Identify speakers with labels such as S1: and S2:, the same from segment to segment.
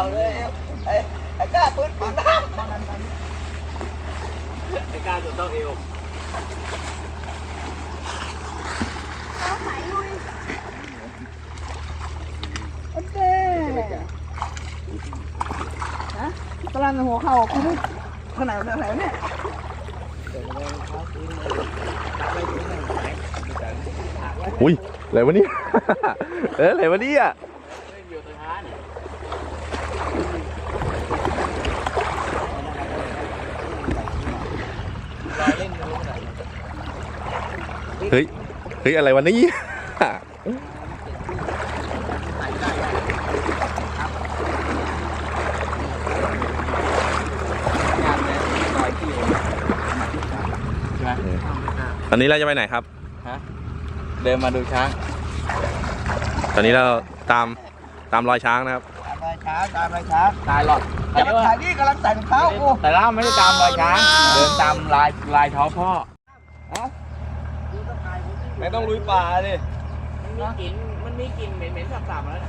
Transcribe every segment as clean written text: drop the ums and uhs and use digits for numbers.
S1: เลยไอ้กล้าปืนน้ำไอ้กล้าจนต้องเอว
S2: โอเคฮะกำลังหัวเข่าคุณขนาดไหนเนี่ย
S3: อุ้ยอะไรวะเนี่ยอะไรวะเนี่ยเฮ้ยอะไรวะเนี่ยตอนนี้เราจะไปไหนครับ
S1: เดินมาดูช้าง
S3: ตอนนี้เราตามรอยช้างนะครับ
S1: ตามรอยช้างตายหรอกอย่ามาถ่ายนี่กำลังใส่รองเท้าแต่เราไม่ได้ตามรอยช้างเดินตามลายเท้าพ่อไม่ต้องลุยป่าดิมันมีกลิ่นเหม็นๆสาบๆมาแล้วนะ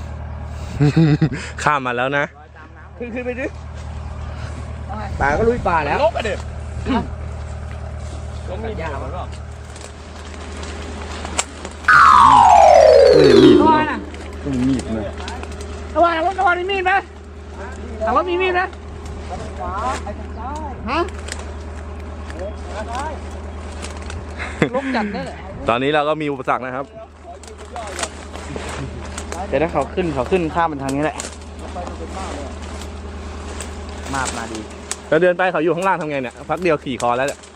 S3: ข้ามมาแล้วนะ
S1: ขึ้นไปดิป่าก็ลุยป่าแล้วลบไปดิต้องมียามันหรอ
S2: มีดนะต้องมีดนะระวังมีมีดไหมแต่ว่ามีมีดนะฮะลบจัดได้เลย
S3: ตอนนี้เราก็มีอุปสรรคนะครับ
S1: แต่ถ้าเขาขึ้นข้ามมันทางนี้แหละมาดี
S3: เราเดินไปเขาอยู่ข้างล่างทำไงเนี่ยพักเดียวขี่คอแล้วเนี่ย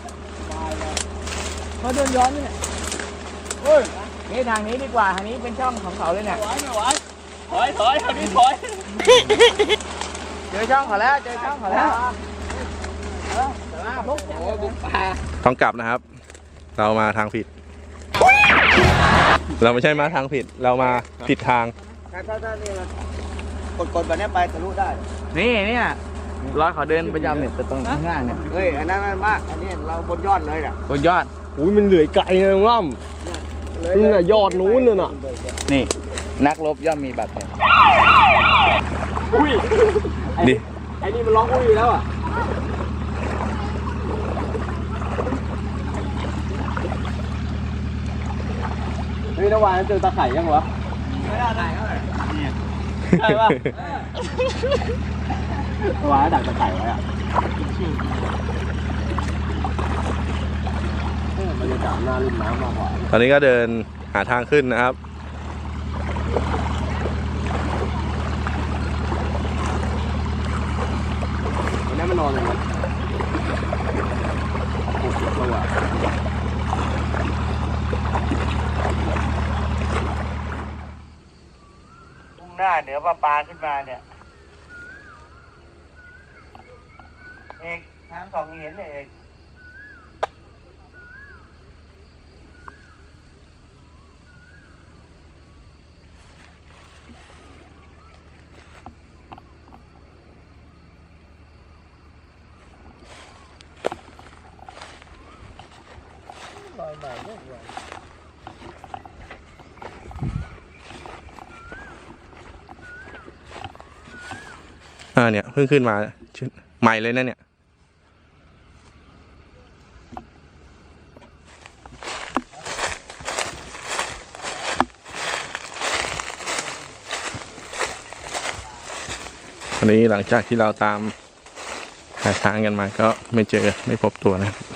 S2: เขาเดินย้อนนี่เนี่ย
S1: นี่ทางนี้ดีกว่าทางนี้เป็นช่องของเขาเลยเนี่ยถอยทางนี้ถอยเจอช่องเขาแล้วโอ้บุกป่า
S3: ต้องกลับนะครับเรามาทางผิดเราไม่ใช่มาทางผิดเรามาผิดทาง
S1: ถ้านี่กดแบบนี้ไปทะลุได้นี่เนี่ยร้อยเขาเดินประจำเนี่ยตรงข้างล่างเนี่ยเฮ้ยอันนั้นมากอันนี้เราบนยอดเลยน่ะบนยอด
S4: อุ้ยมันเหลื่อยไกลเลยล่ำนี่น่ะยอดนู้นน่ะ
S1: นี่นักรบย่อมมีบาดแผล
S4: อุ้ย
S3: ดิ
S4: ไอ้นี่มันร้องอุ้ยแล้วอ่ะเฮ้ยระหว่างนั้นเจอตาไข่ยังวะ
S1: ไม่ได้เท่าไหร่
S4: ใช่ป่ะระหว่างดักตาไข่ไว้อ่ะบรรยากาศหน้าริมน้ำมากกว่า
S3: ตอนนี้ก็เดินหาทางขึ้นนะครับ
S4: วันนี้มันนอนเลยมั้ย
S1: มุ่งหน้าเหนือปลาขึ้นมาเนี่ยเอกทางสองเห็นเลยเอก
S3: เนี่ยเพิ่งขึ้นมาใหม่เลยนะเนี่ยวันนี้หลังจากที่เราตามหาทางกันมาก็ไม่พบตัวนะครับ